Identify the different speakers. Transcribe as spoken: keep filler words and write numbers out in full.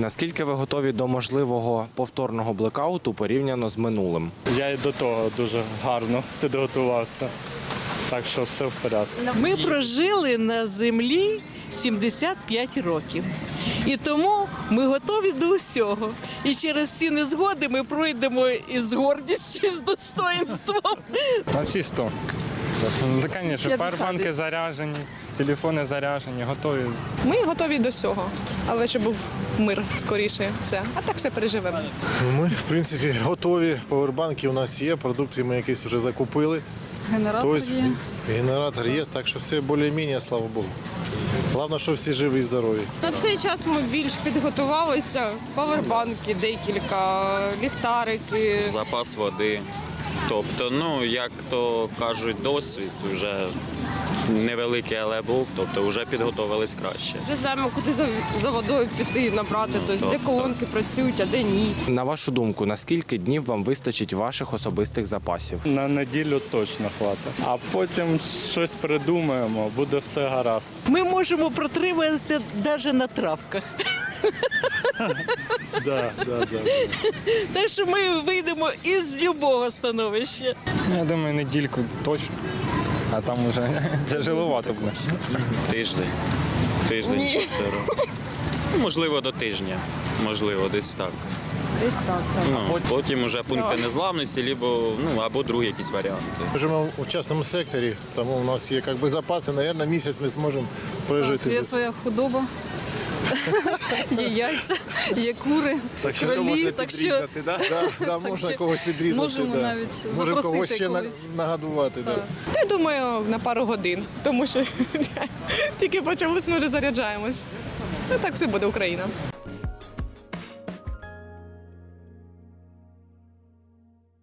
Speaker 1: Наскільки ви готові до можливого повторного блекауту порівняно з минулим?
Speaker 2: Я і до того дуже гарно підготувався, так що все в порядку.
Speaker 3: Ми прожили на землі сімдесят п'ять років. І тому ми готові до всього. І через ці незгоди ми пройдемо із гордістю, з достоїнством.
Speaker 2: На всі сто. Ну, звісно, пауербанки заряджені, телефони заряджені, готові.
Speaker 4: Ми готові до всього, але щоб був мир скоріше, все. А так все переживемо.
Speaker 5: Ми, в принципі, готові. Павербанки у нас є, продукти ми якісь вже закупили.
Speaker 6: Генератор
Speaker 5: Тобто,
Speaker 6: є.
Speaker 5: Генератор є, так що все більш-менш, слава Богу. Головне, що всі живі і здорові.
Speaker 7: На цей час ми більш підготувалися. Павербанки, декілька, ліхтарики.
Speaker 8: Запас води. Тобто, ну, як то кажуть, досвід вже невеликий, але був, тобто вже підготувались краще.
Speaker 7: Вже знаємо, куди за, за водою піти, набрати, тобто, де колонки працюють, а де ні.
Speaker 1: На вашу думку, на скільки днів вам вистачить ваших особистих запасів?
Speaker 2: На неділю точно хватить. А потім щось придумаємо, буде все гаразд.
Speaker 3: Ми можемо протриматися навіть на травках.
Speaker 2: Да, да, да.
Speaker 3: Так що ми вийдемо із будь-якого становища.
Speaker 2: Я думаю, недільку точно, а там вже тяжеловато буде.
Speaker 8: Тиждень. Тиждень. півтора. Ну, можливо, до тижня. Можливо, десь так.
Speaker 7: Десь так, так.
Speaker 8: Ну, потім вже пункти незламності, либо, ну, або другі якісь варіанти.
Speaker 5: Ми живемо у частному секторі, тому у нас є якби, запаси, мабуть, місяць ми зможемо прожити.
Speaker 6: Є
Speaker 5: без-
Speaker 6: своя худоба, є яйця, є кури, кролі, так що
Speaker 5: Да, да, можна
Speaker 6: що
Speaker 5: когось підрізати.
Speaker 6: можемо
Speaker 5: да.
Speaker 6: навіть
Speaker 5: Можемо
Speaker 6: запросити
Speaker 5: когось ще на-
Speaker 6: когось.
Speaker 5: нагодувати. Да.
Speaker 4: Та я думаю, на пару годин, тому що тільки почалось, ми вже заряджаємось. Ну так все буде Україна.